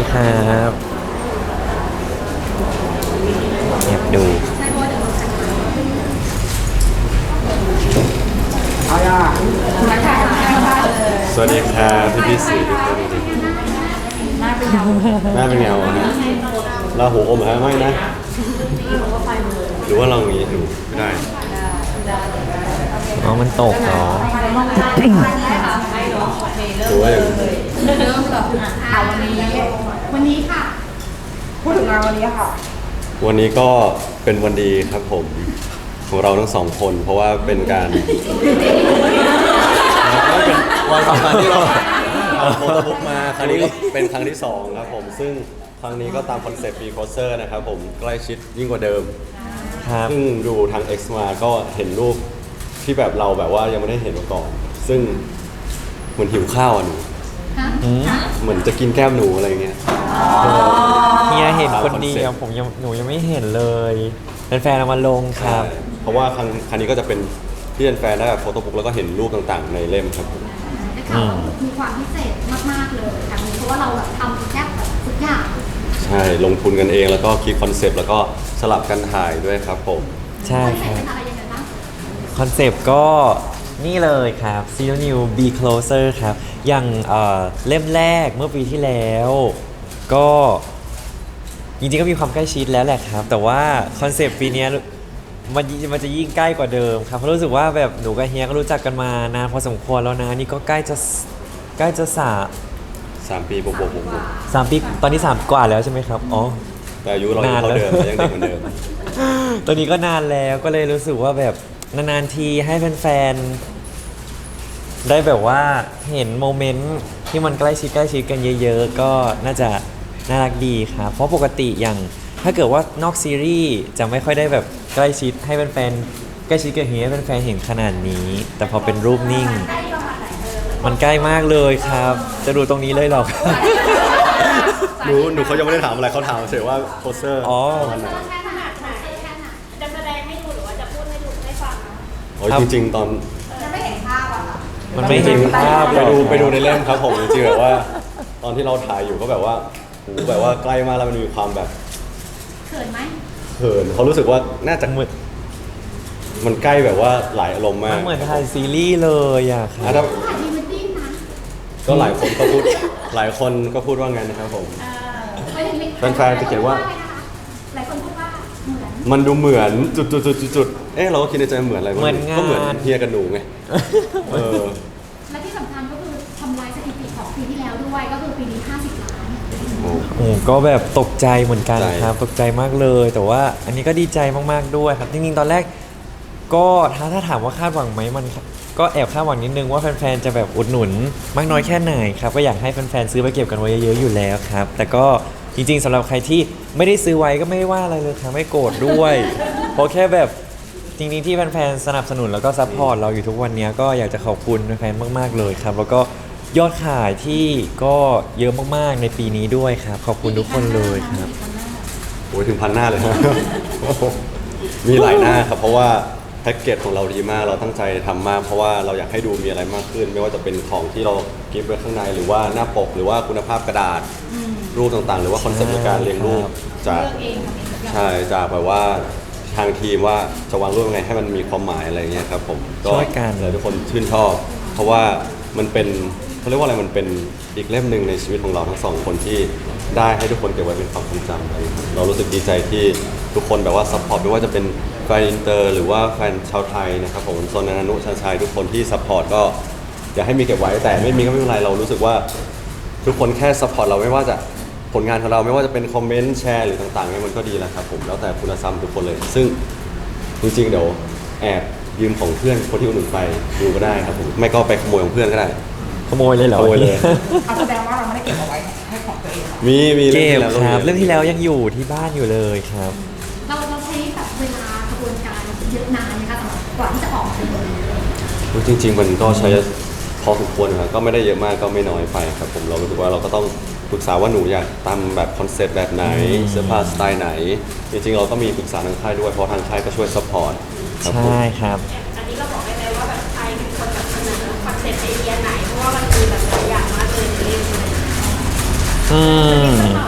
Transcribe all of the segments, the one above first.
ครับแอบดูสวัสดีครับพี่สื่อทุกคนหน้าเป็นเงาอะฮะเราหูอมฮะไม่นะหรือว่าเราอย่างนี้ดูไม่ได้อ๋อมันตกเนาะหรือว่าอย่างนี้เริ่มกับวันนี้ค่ะพูดถึงงานวันนี้ค่ะวันนี้ก็เป็นวันดีครับผมของเราทั้งสองคน เพราะว่าเป็นการเป็นวันสำคัญที่เราเอาโฟโต้บุ๊กมาครั้งนี้ก็เป็นครั้งที่2ครับผมซึ่งครั้งนี้ก็ตามคอนเซ็ปต์ปีโคเซอร์นะครับผมใกล้ชิดยิ่งกว่าเดิมครับซึ่งดูทาง X มาก็เห็นรูปที่แบบเราแบบว่ายังไม่ได้เห็นมาก่อน ซึ่งเหมือนหิวข้าวอ่ะหนูเหมือนจะกินแก้มหนูอะไรเงี้ยเฮียเห็นคนเดียวหนูยังไม่เห็นเลยเป็นแฟนเอามาลงครับเพราะว่าครั้งนี้ก็จะเป็นที่เป็นแฟนได้แบบโฟโต้บุ๊กแล้วก็เห็นรูปต่างๆในเล่มครับผมได้ข่าวว่ามีความพิเศษมากๆเลยครั้งนี้เพราะว่าเราแบบทำแทบแบบทุกอย่างใช่ลงทุนกันเองแล้วก็คิดคอนเซปต์แล้วก็สลับกันถ่ายด้วยครับผมใช่คอนค รับเซ็ปต์เป็นอะไรยังไงบ้างคอนเซปต์ก็นี่เลยครับ Zero New Be Closer ครับ อย่างเล่มแรกเมื่อปีที่แล้ว ก็จริงๆก็มีความใกล้ชิดแล้วแหละครับ แต่ว่าคอนเซปต์ปีเนี้ยมันจะยิ่งใกล้กว่าเดิมครับเพราะรู้สึกว่าแบบหนูกับเฮียก็รู้จักกันมานานพอสมควรแล้วนะนี่ก็ใกล้จะ 3 ปีบวกๆ 3 ปีตอนนี้3 กว่าแล้วใช่ไหมครับอ๋อแต่อายุเรายังเท่าเดิมยังเด็กเหมือนเดิมตอนนี้ก็นานแล้วก็เลยรู้สึกว่าแบบนานๆทีให้แฟนๆได้แบบว่าเห็นโมเมนต์ที่มันใกล้ชิดกันเยอะๆก็น่าจะน่ารักดีครับเพราะปกติอย่างถ้าเกิดว่านอกซีรีส์จะไม่ค่อยได้แบบใกล้ชิดให้แฟนๆใกล้ชิดกับเฮียให้แฟนๆเห็นขนาดนี้ แต่พอเป็นรูปนิ่ง มันใกล้มากเลยครับ จะดูตรงนี้เลยหรอหนูเขายังไม่ได้ถามอะไรเขาถามเฉยว่าโคเซอร์อ๋อวันไหนแค่ขนาดไหนแค่ไหนจะแสดงให้ดูหรือว่าจะพูดให้ดูให้ฟังนะโอ้ยจริงๆตอนจะไม่เห็นภาพอะค่ะมันไม่เห็นภาพหรอกไปดูในเล่มครับผมจริงๆแบบว่า ตอนที่เราถ่ายอยู่ก็แบบว่าหูแบบว่าใกล้มากแล้วมันมีความแบบเขินไหมเขินเขารู้สึกว่าน่าจะมันใกล้แบบว่าหลายอารมณ์มากมันเหมือนถ่ายซีรีส์เลยอะคอ่ะรับถ้าถ่ายพรีเวดดิ้งนะก็หลายคนก็พูดหลายคนก็พูดว่าไงนะครับผมไม่ถึงแฟนๆจะเขียนว่าหลายคนพูดว่าเหมือนมันดูเหมือนจุดเอ๊ะเราก็คิดในใจเหมือนอะไรวะเหมือนงานก็เหมือนเฮียกับหนูไงเออและที่สำคัญก็คือทำลายสถิติของปีที่แล้วด้วยก็คือปีนี้50 ล้านโอ้โอ้ก็แบบตกใจเหมือนกันใช่ครับ ตกใจมากเลย แต่ว่าอันนี้ก็ดีใจมากๆด้วยครับ จริงๆ ตอนแรก ก็ถ้าถามว่าคาดหวังไหมมันก็แอบคาดหวังนิดนึงว่าแฟนๆ จะแบบอุดหนุนมากน้อยแค่ไหนครับ ก็อยากให้แฟนๆ ซื้อไปเก็บกันไว้เยอะๆ อยู่แล้วครับ แต่ก็จริงๆสำหรับใครที่ไม่ได้ซื้อไว้ก็ไม่ได้ว่าอะไรเลยครับไม่โกรธด้วย เพราะแค่แบบจริงๆที่แฟนๆ สนับสนุนแล้วก็ซัพพอร์ตเราอยู่ทุกวันนี้ก็อยากจะขอบคุณแฟนๆ มากๆ เลยครับ แล้วก็ยอดขายที่ก็เยอะมากๆ ในปีนี้ด้วยครับ ขอบคุณทุกคนเลยครับโหถึงพันหน้าเลยนะ มีหลายหน้าครับเพราะว่าแพ็กเกจของเราดีมากเราตั้งใจทำมากเพราะว่าเราอยากให้ดูมีอะไรมากขึ้น ไม่ว่าจะเป็นของที่เรากิฟต์ไว้ข้างในหรือว่าหน้าปกหรือว่าคุณภาพกระดาษรูปต่างๆ หรือว่าคอนเซ็ปต์ในการเรียงรูปจากใช่จากแบบว่าทางทีมว่าจะวางรูปยังไงให้มันมีความหมายอะไรเงี้ยครับผมก็ช่วยกันเลยทุกคนชื่นชอบ เพราะว่ามันเป็นเขาเรียกว่าอะไรมันเป็นอีกเล่มหนึ่งในชีวิตของเราทั้งสองคนที่ได้ให้ทุกคนเก็บไว้เป็นความทรงจำอะไรอย่างเงี้ยเรารู้สึกดีใจที่ทุกคนแบบว่าซัพพอร์ตไม่ว่าจะเป็นแฟนอินเตอร์หรือว่าแฟนชาวไทยนะครับผมโซนนานุชาชัยทุกคนที่ซัพพอร์ตก็อยากให้มีเก็บไว้แต่ไม่มีก็ไม่เป็นไรเรารู้สึกว่าทุกคนแค่ซัพพอร์ตเราไม่ว่าจะผลงานของเราไม่ว่าจะเป็นคอมเมนต์แชร์หรือต่างๆเนี่ยมันก็ดีแล้วครับผมแล้วแต่คุณธรรมทุกคนเลย ซึ่งจริงๆเดี๋ยวแอบยืมของเพื่อนคนที่อุดหนุนไปดูก็ได้ครับผมไม่ก็ไปขโมยของเพื่อนก็ได้ขโมยเลยเหรอขโมยเลยแสดงว่าเราไม่ได้เก็บเอาไว้ให้ของตัวเองมีเก็บรื่องครับที่เรื่องที่แล้วยังอยู่ที่บ้านอยู่เลยครับเราใช้แบบเวลากระบวนการเยอะนานนะคะสำหรับกว่าที่จะออกมาเป็นตัวนี้จริง ๆ มันก็ใช้พอสมควรครับก็ไม่ได้เยอะมากก็ไม่น้อยไปครับผมเรารู้สึกว่าเราก็ต้องปรึกษาว่าหนูอยากทำแบบคอนเซ็ปต์แบบไหนเสื้อผ้าสไตล์ไหน จริงๆเราก็มีปรึกษาทางค่ายด้วยเพราะทางค่ายก็ช่วยซัพพอร์ตครับผมใช่ครับอันนี้เราบอกได้ไหมว่าแบบใครเป็นคนแบบเสนอคอนเซ็ปต์ไอเดียไหน เพราะว่ามันมีแบบหลายอย่างมากเลยในเรื่องนี้อืม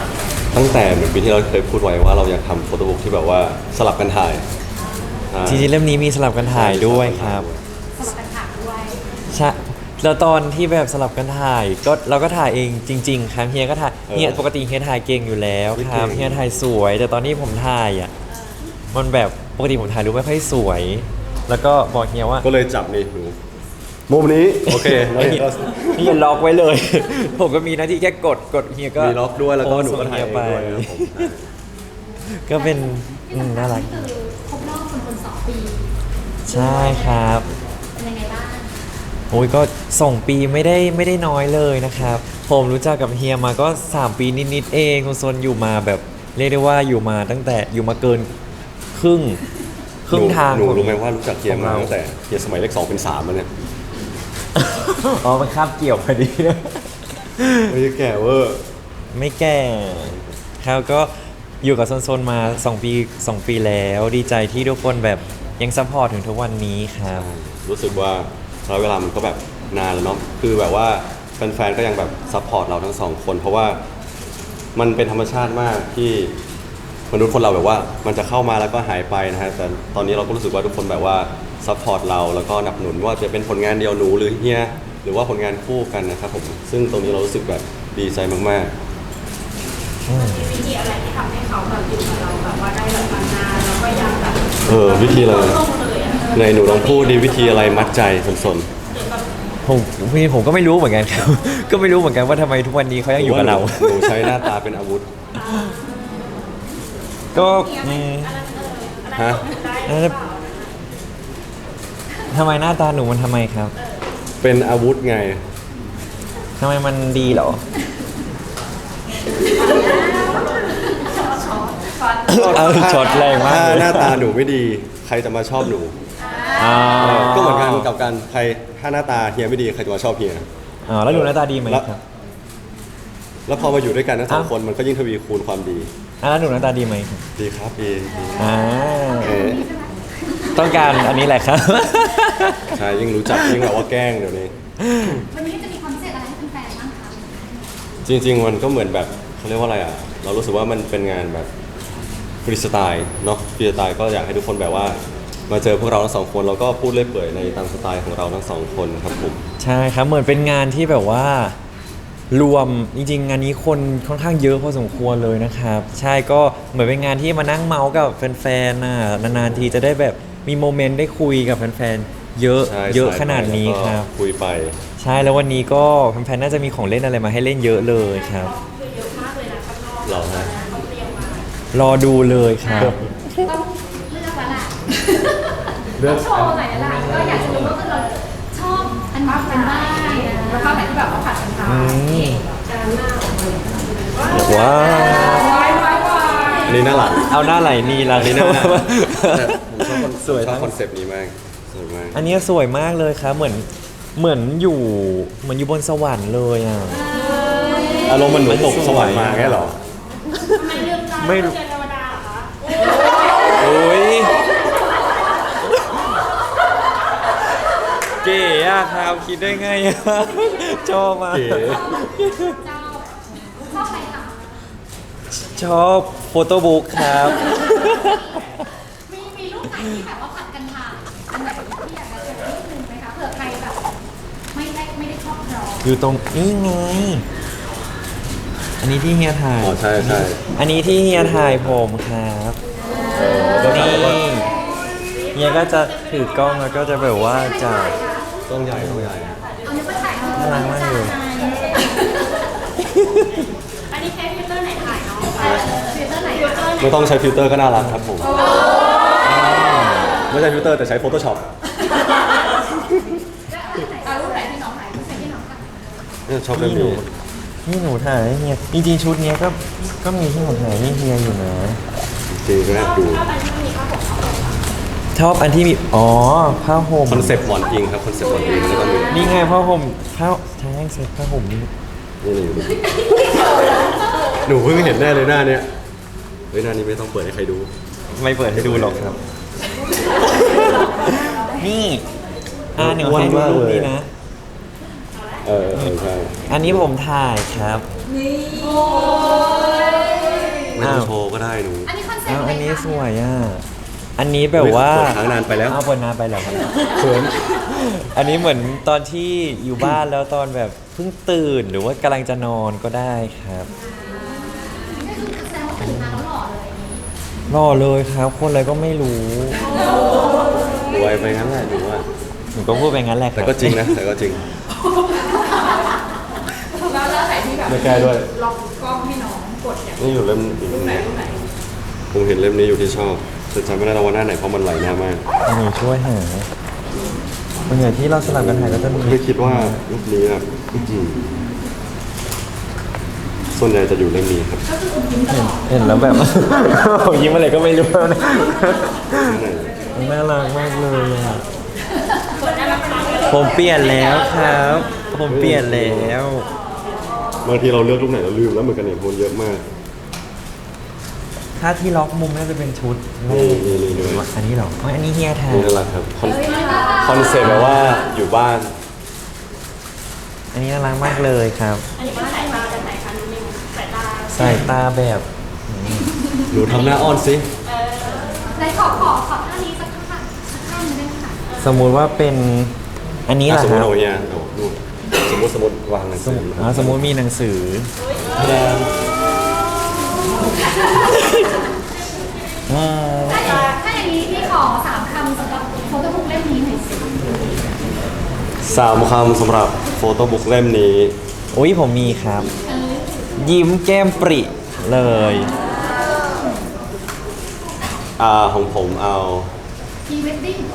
งแต่เหมือนปีที่เราเคยพูดไว้ว่าเราอยากทำโฟโต้บุ๊กที่แบบว่าสลับกันถ่ายอ่าจริงๆเล่มนี้มีสลับกันถ่ายด้วยครับสลับกันถ่ายด้วยใช่แล้วตอนที่แบบสลับกันถ่ายก็เราก็ถ่ายเองจริง ๆ ครับเฮียก็ถ่ายเฮียปกติเฮียถ่ายเก่งอยู่แล้วครับเฮียถ่ายสวย แต่ตอนที่ผมถ่ายอ่ะมันแบบปกติผมถ่ายรูปไม่ค่อยสวย แล้วก็บอกเฮียว่าก็เลยจับนี่หนูมุมนี้โอเคแล้วเฮียล็อกไว้เลย ผมก็มีหน้าที่แค่กดเฮียก็มีล็อกด้วยแล้วก็หนูก็โพสต์ถ่ายเองไปด้วยนะครับผมก็เป็นน่ารักคือครบรอบคน2 ปีใช่ครับเป็นยังไงบ้างโอ้ยก็2 ปีไม่ได้น้อยเลยนะครับ ผมรู้จักกับเฮียมาก็ 3 ปีนิดๆเองคุณซนอยู่มาแบบเรียกได้ว่าอยู่มาตั้งแต่อยู่มาเกินครึ่งทางหนูของรู้ไหมว่ารู้จักเฮียของมาเราตั้งแต่เฮียสมัยเลข2เป็น3มันเนี่ยอ๋อมันคาบเกี่ยวพอดีไม่ได้แก่เวอร์ไม่แก่ครับก็อยู่กับโซนๆมา 2 ปีแล้วดีใจที่ทุกคนแบบยังซัพพอร์ตถึงทุกวันนี้ครับรู้สึกว่าระยะเวลามันก็แบบนานแล้วเนาะคือแบบว่าแฟนๆก็ยังแบบซัพพอร์ตเราทั้งสองคนเพราะว่ามันเป็นธรรมชาติมากที่มนุษย์คนเราแบบว่ามันจะเข้ามาแล้วก็หายไปนะฮะแต่ตอนนี้เราก็รู้สึกว่าทุกคนแบบว่าซัพพอร์ตเราแล้วก็หนับหนุนว่าจะเป็นผลงานเดียวหนูหรือเฮียหรือว่าผลงานคู่กันนะครับผมซึ่งตรงนี้เรารู้สึกแบบดีใจมากๆมีวิธีอะไรที่ทำให้เขาแบบอยู่กับเราแบบว่าได้แบบนานๆแล้วก็ยังแบบวิธีอะไรลงเลยอ่ะในหนูลองพูดดีวิธีอะไรมัดใจสนผมก็ไม่รู้เหมือนกันครับ ก็ไม่รู้เหมือนกันว่าทำไมทุกวันนี้เขายังอยู่กับเราหนูใช้หน้าตาเป็นอาวุธก็ฮะได้หรือเปล่าทำไมหน้าตาหนูมันทำไมครับเป็นอาวุธไงทำไมมันดีเหรอเอาช็อตแรงมากถ้าเลยหน้าตาหนูไม่ดี ใครจะมาชอบหนูอ่าก็เหมือนกันกับการใครถ้าหน้าตาเฮียไม่ดีใครจะมาชอบเฮียอ๋อแล้วหนูหน้าตาดีไหมครับแล้วพอมาอยู่ด้วยกันทั้งสองอ้าวคนมันก็ยิ่งทวีคูณความดีแล้วหนูหน้าตาดีไหมครับดีครับดีอ่าเอ๊ะต้องการอันนี้แหละครับใช่ยิ่งรู้จักยิ่งแบบว่าแกล้งเดี๋ยวนี้วันนี้จะมีคอนเสิร์ตอะไรให้แฟนๆบ้างคะจริงๆมันก็เหมือนแบบเขาเรียกว่าอะไรอ่ะ เรารู้สึกว่ามันเป็นงานแบบฟรีสไตล์เนาะฟรีสไตล์ก็อยากให้ทุกคนแบบว่า มาเจอพวกเราทั้งสองคนแล้วก็พูดเล่อยเปื่อยในตามสไตล์ของเราทั้งสองคนครับผมใช่ครับเหมือนเป็นงานที่แบบว่ารวมจริงๆงานนี้คนค่อนข้างเยอะพอสมควรเลยนะครับ ใช่ก็เหมือนเป็นงานที่มานั่งเมาส์กับแฟนๆน่ะนานๆทีจะได้แบบมีโมเมนต์ได้คุยกับแฟนๆเยอะใช่เยอะใช่ขนาดนี้แล้วก็ครับคุยไปใช่แล้ววันนี้ก็แฟนๆน่าจะมีของเล่นอะไรมาให้เล่นเยอะเลยครับคือเยอะมากเลยนะข้างนอกเหรอฮะเขาเตรียมมารอดูเลยครับต้องเลือกแล้วล่ะเลือกโชว์หน่อยแล้วล่ะก็อยากจะรู้ว่าเราชอบอันไหนกันบ้างแล้วก็ไหนที่แบบว่าผัดกันทานว้าววายวายวายอันนี้หน้าหลังเอาหน้าไหลนี่ละอันนี้หน้าหลังแต่ผมชอบสวยชอบทั้งคอนเซปต์นี้มากสวยมากอันนี้สวยมากเลยครับเหมือนอยู่บนสวรรค์เลยอ่ะอารมณ์มันหนูตกสวรรค์มาแค่หรอทำไมลืมตาไม่เจอเทวดาเหรอคะโอ้ยเก๋อะครับคิดได้ไงอะชอบมากเก๋เจ้าชอบอะไรคะชอบโฟโต้บุ๊กครับมีรูปไหนที่แบบว่าผัดกันถ่ายอันไหนที่อยากจะโชว์นิดนึงไหมคะเผื่อใครแบบไม่ได้ชอบเราอยู่ตรงนี้ไง อันนี้ที่เฮียถ่ายอ๋อใช่ใช่อันนี้ที่เฮียถ่ายผมครับนี่เฮียก็จะถือกล้องแล้วก็จะแบบว่าจะต้องใหญ่ต้องใหญ่เอานึกว่าถ่ายน่ารักมากเลยอันนี้ใช้ฟิลเตอร์ไหนถ่ายเนาะฟิลเตอร์ไหนฟิลเตอร์ไหนไม่ต้องใช้ฟิลเตอร์ก็น่ารักครับผมไม่ใช่ฟิลเตอร์แต่ใช้ Photoshop เอารูปไหนที่น้องไหนรูปไหนที่น้องค่ะเนี่ยชอบเรื่องนี้นี่หนูถ่ายให้เฮียจริงๆชุดเนี้ยก็มีที่หนูถ่ายให้เฮียอยู่นะจริงๆก็น่าดูชอบอันที่มีอ๋อผ้าห่มคอนเซปต์หมอนอิงครับคอนเซปต์หมอนอิงแล้วก็มีนี่ไงผ้าห่มใช่เซ็ตผ้าห่มนี่นี่เลยอยู่ดูหนูเพิ่งเห็นแน่เลยหน้าเนี้ยเฮ้ยหน้านี้ไม่ต้องเปิดให้ใครดูไม่เปิดให้ดูหรอกครับ นี่หนูอ้วนให้ดูมากรูปเลยนี้นะใช่อันนี้ผมถ่ายครับนี่ไม่ต้องโชว์ก็ได้หนูอันนี้คอนเซ็ปอ้าวต์อะไรอันนี้คะสวยอ่ะอันนี้แบบว่าเปิดค้างนานไปแล้วอ้าวเปิดนานไปแล้วครับเขินอันนี้เหมือนตอนที่อยู่บ้านแล้วตอนแบบเพิ่งตื่นหรือว่ากำลังจะนอนก็ได้ครับนี่คือแสดงว่าตื่นมาแล้วหล่อเลยรอเลยครับ คนอะไรก็ไม่รู้รวยไปงั้นแหละหนูว่าหนูก็พูดไปงั้นแหละคแต่รับก็จริงนะแต่ก็จริงแล้วไหนที่แบบไม่แก้ด้วยล็อกกล้องให้น้องกดอย่างนี่อยู่เล่มอีกเล่มไหนนี้รูปไหนผมเห็นเล่มนี้อยู่ที่ชอบแต่จำไม่ได้แล้วว่าหน้าไหนเพราะมันไหลหน้ามากหนูช่วยหาบางอย่างที่เราสลับกันถ่ายก็จะมีไม่คิดว่ารูปนี้นะอื้อหือส่วนใหญ่จะอยู่เล่มนี้ครับเห็นแล้วแบบ ยิ้มอะไรก็ไม่รู้นะหน้าไหนน่ารักมากเลยอ่ะผมเปลี่ยนแล้วครับ ผมเปลี่ยนแล้วบางทีเราเลือกรูปไหนเราลืมแล้วเหมือนกันเนี่ยคนเยอะมากถ้าที่ล็อกมุมน่าจะเป็นชุดนี่นี่นี่อันนี้เหรออ๋ออันนี้เฮียทานี่น่ารักครับคอนเซ็ปต์แบบว่าอยู่บ้านอันนี้น่ารักมากเลยครับอันนี้ก็สายตาแบบไหนคะนิวสายตาสายตาแบบหนูทำหน้าอ้อนสิไหนขอท่านี้สักท่าสักท่าหนึงได้ไหมคะสมมุติว่าเป็นอันนี้แหละสมคมรัติบเอาเนี่ยเอาดูสมมติวางหนังสสืมอมติสมมติมีหนังสือ อืมถ้าอย่างนี้พี่ขอ3 คำสำหรับโฟโต้บุ๊กเล่มนี้หน่อยสิ 3 คำสำหรับโฟโต้บุ๊กเล่มนี้อุ้ยผมมีครับ ยิ้มแก้มปริเลยของผมเอาพรีเวดดิ้ง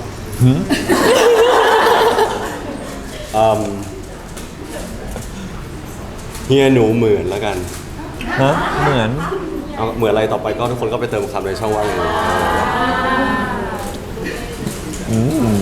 เฮียหนูเหมือนแล้วกันฮะ เหมือนเอาเหมือนอะไรต่อไปก็ทุกคนก็ไปเติมคำในช่องว่างเลยอืม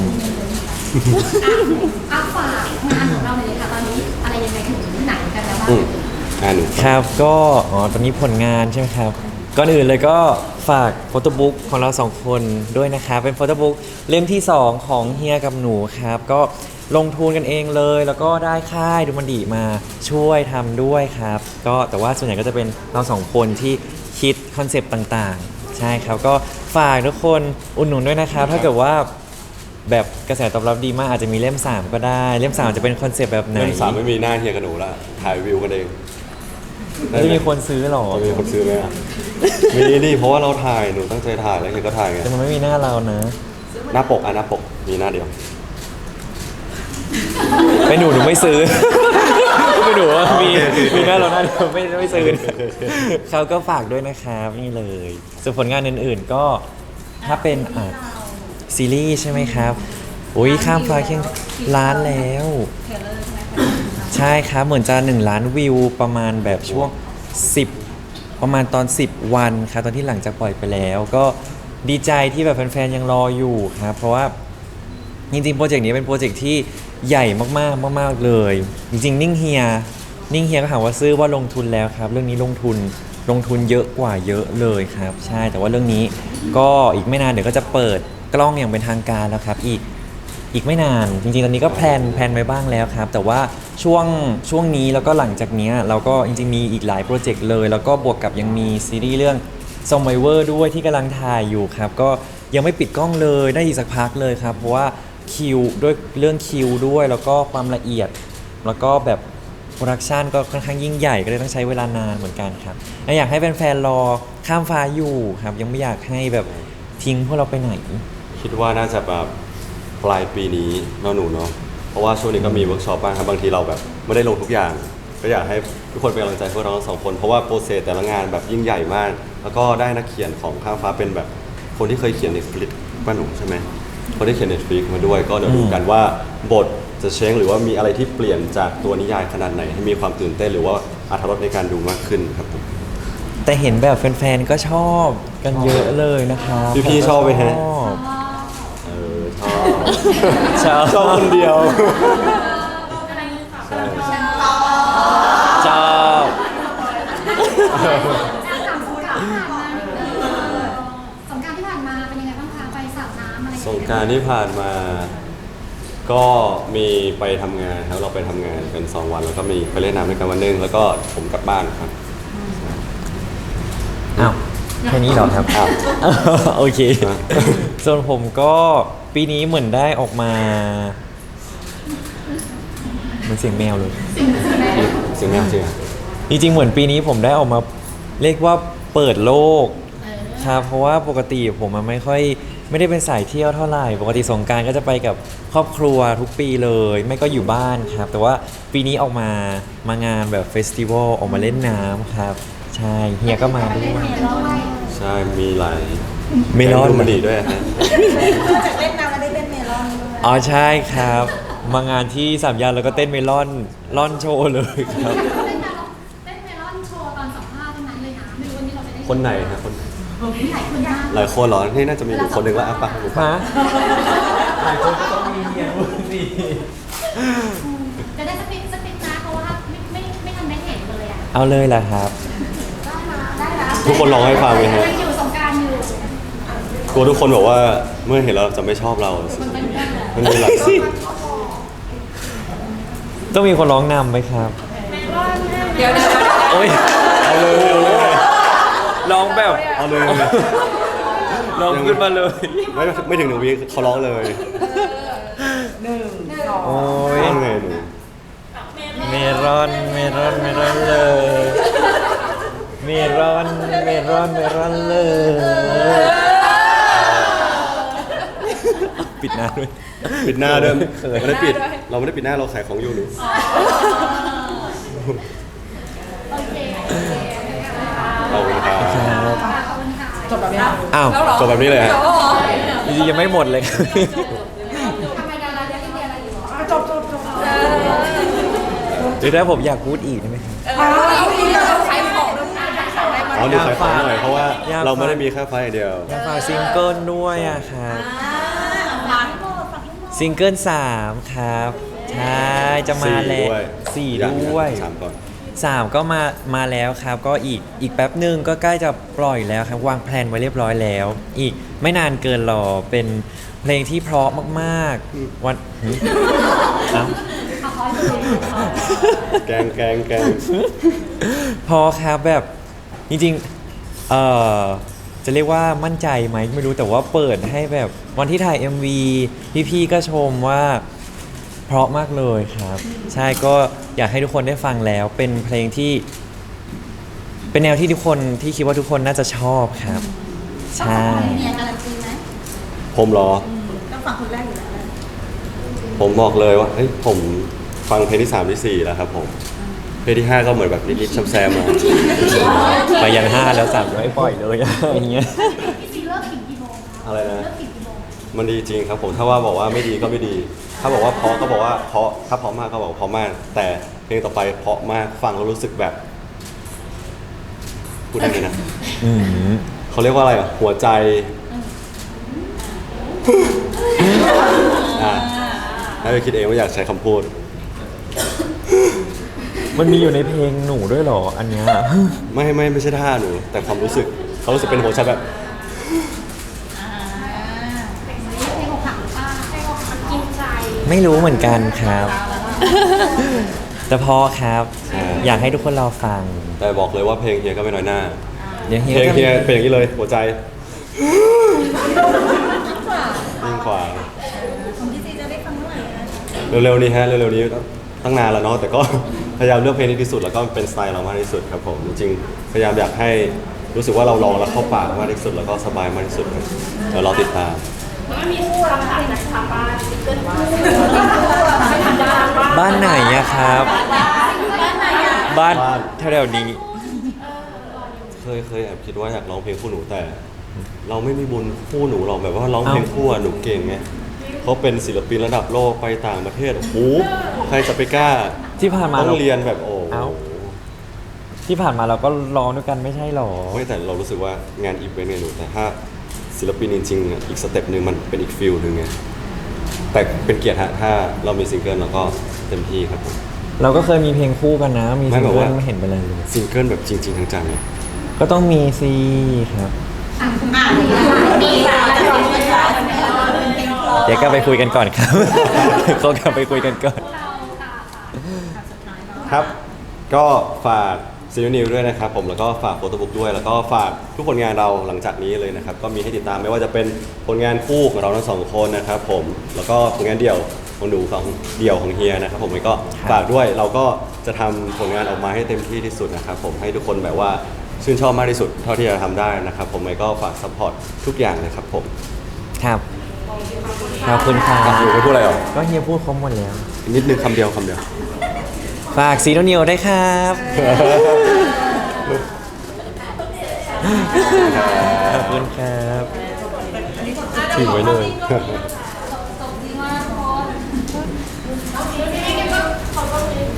ฝากงานของเราเลยค่ะตอนนี้อะไรยังไงถึงไหนกันแล้วบ้างหนูครับก็ตอนนี้ผลงานใช่ไหมครับ ก่อนอื่นเลยก็ฝากโฟโต้บุ๊กของเราสองคนด้วยนะครับ เป็นโฟโต้บุ๊กเล่มที่ 2 ของเฮียกับหนูครับ ก็ลงทุนกันเองเลย แล้วก็ได้ค่ายดูมันดีมาช่วยทำด้วยครับ ก็แต่ว่าส่วนใหญ่ก็จะเป็นเราสองคนที่คิดคอนเซปต์ต่างๆ ใช่ครับ ก็ฝากทุกคนอุดหนุนด้วยนะครับ ถ้าเกิดว่าแบบกระแสตอบรับดีมากอาจจะมีเล่ม 3 ก็ได้ เล่ม 3 จะเป็นคอนเซปต์แบบไหนเล่ม 3ไม่มีหน้าเฮียกับหนูละถ่ายวิวกันเองแล้วจะมีคนซื้อหรอจะมีคนซื้อไหมอ่ะมีดิเพราะว่าเราถ่ายหนูตั้งใจถ่ายแล้วเฮียก็ถ่ายไงแต่มันไม่มีหน้าเรานะหน้าปกหน้าปกมีหน้าเดียวไม่หนูไม่ซื้อ ไม่หนูว่ามีหน้าเราหน้าเดียวไม่ซื้อเขาก็ฝากด้วยนะครับนี่เลยส่วนผลงานอื่นๆก็ถ้าเป็นซีรีส์ใช่ไหมครับอุ้ยข้ามฟ้าเคียงล้านแล้ว ใช่ครับเหมือนจะ1 ล้านวิวประมาณแบบช่วง10ประมาณตอน10 วันครับตอนที่หลังจากปล่อยไปแล้ว ก็ดีใจที่แบบแฟนๆยังรออยู่ครับเพราะว่าจริงๆโปรเจกต์นี้เป็นโปรเจกต์ที่ใหญ่มากๆมากๆเลย จริงๆนิ่งเฮียก็ถามว่าซื้อว่าลงทุนแล้วครับ เรื่องนี้ลงทุนเยอะกว่าเยอะเลยครับใช่แต่ว่าเรื่องนี้ก็อีกไม่นานเดี๋ยวก็จะเปิดกล้องอย่างเป็นทางการแล้วครับอีกไม่นานจริงๆตอนนี้ก็แพลนไว้บ้างแล้วครับแต่ว่าช่วงนี้แล้วก็หลังจากนี้เราก็จริงๆมีอีกหลายโปรเจกต์เลยแล้วก็บวกกับยังมีซีรีส์เรื่อง ซอมไบเวอร์ด้วยที่กำลังถ่ายอยู่ครับก็ยังไม่ปิดกล้องเลยได้อีกสักพักเลยครับเพราะว่าคิวด้วยเรื่องคิวด้วยแล้วก็ความละเอียด แล้วก็แบบโปรดักชันก็ค่อนข้างยิ่งใหญ่ก็เลยต้องใช้เวลานานเหมือนกันครับและอยากให้แฟนๆรอข้ามฟ้าอยู่ครับยังไม่อยากให้แบบทิ้งพวกเราไปไหนคิดว่าน่าจะแบบปลายปีนี้เนาะหนูเนาะเพราะว่าช่วงนี้ก็มีเวิร์กช็อปบ้างครับบางทีเราแบบไม่ได้ลงทุกอย่าง ก็อยากให้ทุกคนเป็นกำลังใจพวกเราทั้งสองคนเพราะว่าโปรเซสแต่ละงานแบบยิ่งใหญ่มาก แล้วก็ได้นักเขียนของข้ามฟ้าเป็นแบบคนที่เคยเขียน Netflix ป้าหนูใช่ไหมคนที่เขียน Netflix มาด้วยก็เดี๋ยวดูกันว่าบทจะเช้งหรือว่ามีอะไรที่เปลี่ยนจากตัวนิยายขนาดไหนให้มีความตื่นเต้นหรือว่าอรรถรสในการดูมากขึ้นครับผมแต่เห็นแบบแฟนๆก็ชอบกันเยอะเลยนะครับพี่ๆชอบไหมฮะชอบชอบคนเดียวชอบสงกรานต์ที่ผ่านมาเป็นยังไงบ้างคะไปสาดน้ำอะไรสงกรารที่ผ่านมา ก็มีไปทำงานครับเราไปทำงานกัน2 วันแล้วก็มีไปเล่นน้ำด้วยกันวันหนึงแล้วก็ผมกลับบ้านครับอ้าวแค่นี้เหรอครับอ้าวโอเคอ่ะส่วนผมก็ปีนี้เหมือนได้ออกมาเหมันเสียงแมวเลยเสียงแมวจริงอะจริงๆเหมือนปีนี้ผมได้ออกมาเรียกว่าเปิดโลกครับเพราะว่าปกติผมมันไม่ได้เป็นสายเที่ยวเท่าไหร่ปกติสงกรานต์ก็จะไปกับครอบครัวทุกปีเลย ไม่ก็อยู่บ้านครับ แต่ว่าปีนี้ออกมางานแบบเฟสติวัลออกมาเล่นน้ำครับ ใช่เฮียก็มาด้วยใช่มีหลายเมลอนแกงดูมันดีด้วยฮะจากเล่นน้ำมาได้เล่นเมลอนด้วยอ๋อใช่ครับ มางานที่สามย่านแล้วก็เต้นเมลอนล่อนโชว์เลยครับเต้นเมลอนโชว์ตอนสัมภาษณ์ทั้งนั้นเลยนะไม่รู้วันนี้เราจะได้คนไหนฮะคนหลายคนมากหลายคนเหรอนี่น่าจะมีอยู่คนหนึ่งละอ่ะปะฮะหลายคนก็ต้องมีเฮียพูดสิจะได้สปิดนะเพราะว่าไม่ทันได้เห็นเลยอ่ะเอาเลยล่ะครับได้แล้วทุกคนร้องให้ฟังไหมฮะยังอยู่สงกรารอยู่กลัวทุกคนบอกว่าเมื่อเห็นเราจะไม่ชอบเราสิมันเป็นเรื่องเลยมันมีหลายต้องมีคนร้องนำไหมครับเดี๋ยวโอ้ยเอาเลยเอาเลยร้องแบบเอาเลยร้องขึ้นมาเลยไม่ถึง1 วิเขาร้องเลยโอ้ยร้องไงหนูเมรอนเลย เมรอนเลย ปิดหน้าด้วยปิดหน้าเดิมเขินไม่ได้ปิด เราไม่ได้ปิดหน้าเราขายของอยู่หนูโอเคเอาเลยครับครับขอบคุณค่ะจบแบบนี้อ้าวจบแบบนี้เลยฮะจริงๆยังไม่หมดเลยครับทำไมดาราเยอะที่เดียอะไรอยู่หรอจบหรือถ้าผมอยากพูดอีกได้ไหมครับเราขายของด้วยขายอะไรมาอ๋อหนูขายของหน่อยเพราะว่าอยากฟังเราไม่ได้มีแค่ไฟล์อย่างเดียวอยากฝากซิงเกิลด้วยอะครับซิงเกิล3 ครับ ใช่จะมาแล้วสี่อย่างด้วยสามก่อน 3 ก็มาแล้วครับ ก็อีกแป๊บหนึ่งก็ใกล้จะปล่อยแล้วครับ วางแผนไว้เรียบร้อยแล้ว อีกไม่นานเกินรอเป็นเพลงที่เพราะมากๆวันหึเอ้าเอาคอยดูแกงพอครับแบบจริงๆจะเรียกว่ามั่นใจไหมไม่รู้แต่ว่าเปิดให้แบบวันที่ถ่าย MV พี่ๆก็ชมว่าเพราะมากเลยครับ ใช่ก็อยากให้ทุกคนได้ฟังแล้ว เป็นเพลงที่ เป็นแนวที่ทุกคนที่คิดว่าทุกคนน่าจะชอบครับ ใช่เนี่ยการันตีไหมผมเหรอต้องฟังคนแรกอยู่แล้วผมบอกเลยว่าเฮ้ยผมฟังเพลงที่ 3 ที่ 4 แล้วครับผม เพลงที่ 5 ก็เหมือนแบบนิดๆแซมๆมาไปยัน5แล้ว3ไม่ปล่อยเลยอย่างเงี้ยพี่ซีเลิกถึงกี่โมงคะอะไรนะเลิกถึงกี่โมงมันดีจริงครับผมถ้าว่าบอกว่าไม่ดีก็ไม่ดี ถ้าบอกว่าเพราะก็บอกว่าเพราะถ้าเพราะมากก็บอกว่าเพราะมาก แต่เพลงต่อไปเพราะมากฟังแล้วรู้สึกแบบพูดได้ไหมนะอืมเขาเรียกว่าอะไรอ่ะหัวใจอ่ะให้ไปคิดเองว่าอยากใช้คำพูดมันมีอยู่ในเพลงหนูด้วยเหรออันเนี้ยไม่ใช่ท่าหนู แต่ความรู้สึกเขารู้สึกเป็นหัวใจแบบเพลงอกหักหรือเปล่าเพลงอกหักกินใจไม่รู้เหมือนกันครับ แต่พอครับ อยากให้ทุกคนรอฟังแต่บอกเลยว่าเพลงเฮียก็ไม่น้อยหน้าเดี๋ยวเฮีเพลงก็เฮียเป็นอย่างนี้เลยหัวใจยิ่งกว่าของพี่ซีจะได้ฟังเมื่อไหร่นะเร็วๆนี้ฮะเร็วๆนี้ตั้งนานแล้วเนาะแต่ก็ พยายามเลือกเพลงนี้ที่สุดแล้วก็เป็นสไตล์เรามากที่สุดครับผมจริงๆพยายามอยากให้รู้สึกว่าเราลองแล้วเข้าปากมากที่สุดแล้วก็สบายมากที่สุดครับเดี๋ยวรอติดตามบ้านไหนอะครับ บ้านบ้านแถวๆนี้เคยแอบคิดว่าอยากร้องเพลงคู่หนูแต่ เราไม่มีบุญคู่หนูหรอกแบบว่าร้องเพลงคู่อะหนูเก่งไงเขาเป็นศิลปินระดับโลกไปต่างประเทศโอ้โหใครจะไปกล้าที่ผ่านมาต้องเรียนแบบโอ้เอ้า ที่ผ่านมาเราก็ร้องด้วยกันไม่ใช่หรอไม่แต่เรารู้สึกว่างานอีเวนต์เนี่ยหนูแต่ถ้าศิลปินจริงๆอะอีกสเต็ปหนึ่งมันเป็นอีกฟิลหนึ่งไงแต่เป็นเกียรติฮะถ้าเรามีซิงเกิลเราก็เต็มที่ครับผมเราก็เคยมีเพลงคู่กันนะ มีไม่ซิงแบบเกิว่าลไม่เห็นเป็นไรเลยซิงเกิลแบบจริงๆจังๆเนี่ยก็ต้องมีซีครับมีสาวจะร้องเพลงร้องเพลงเพราะเดี๋ยวก็ไปคุยกันก่อนครับ เขากลับไปคุยกันก่อนเราค่ะครับ ก็ฝากซีรีส์นิวด้วยนะครับผมแล้วก็ฝากโฟโต้บุ๊กด้วยแล้วก็ฝากทุกผลงานเราหลังจากนี้เลยนะครับก็มีให้ติดตามไม่ว่าจะเป็นผลงานคู่ของเราทั้งสองคนนะครับผมแล้วก็ผลงานเดี่ยวของหนูของเดี่ยวของเฮียนะครับผมก็ฝากด้วยเราก็จะทำผลงานออกมาให้เต็มที่ที่สุดนะครับผมให้ทุกคนแบบว่าชื่นชอบมากที่สุดเท่าที่จะทำได้นะครับผมก็ฝากซัพพอร์ตทุกอย่างนะครับผมครับขอบคุณครับอยู่ไม่พูดอะไรหรอก็เฮียพูดครบหมดแล้วอีกนิดนึงคำเดียวฝากซีโนนิวได้วยครับ ขอบคุณครับถึงไว้เลยจบดีมากทุกคนขอบคุณนี่เลยขอบคุณนี่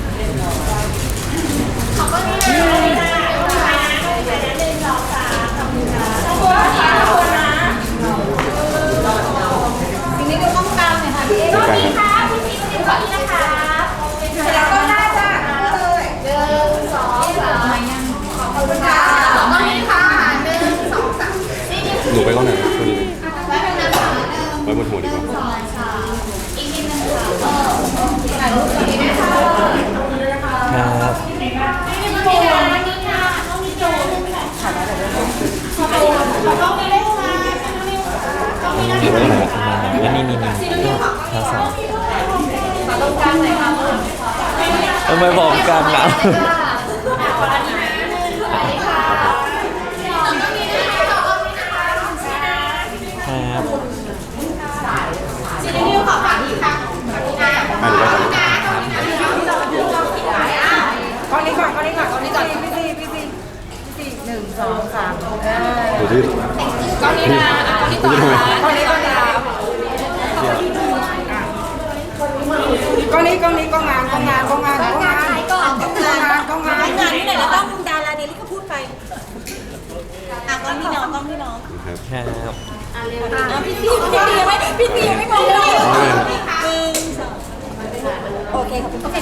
ทีนี้ก็ต้องการเลยค่ะพี่เอ๋ค่ะพี่ซีก็ขอบคุณนะคะแล้วก็ได้จ้ะเลย1 2 3ขอบคุณค่ะขอบคุณค่ะ1 2 3นี่หนูไปก้อนไหนคนนี้แล้วเป็นน้ำค่ะไว้บนหัวดีกว่าอีกนิดนึงค่ะถ่ายรูปกับนี้นะคะครับนี่ค่ะนี่ค่ะต้องมีโจทย์ถ่ายได้เลยต้องมีเลขค่ะต้องมีเลขไว้ก้อนไหนแล้วนี่ข้าวสารตรงกลางเลยค่ะทำไมบอกกันนะขออันนี้นะนี่ค่ะต้องมีเลขค่ะต้องมีนะคะครับซีนิวขอฝากอีกค่ะอ่านไว้ก่อนก้อนนี้ก่อนก้อนนี้ก่อนก้อนนี้ก่อนพี่1 2 3 ดูที่ก้อนนี้นะก้อนนี้ต่อนะก้อนนี้ก้อนนี้ก้อนนี้ก้อนนี้ก้อนงานก้อนงานก้อนงานก้อนงานก้อนงานก้อนงานงานที่ไหนแล้วต้องดาราเดลี่ก็พูดไปกล้องพี่น้องกล้องพี่น้องครับครับพี่ตียังไม่มองเลย1 2โอเคขอบคุณ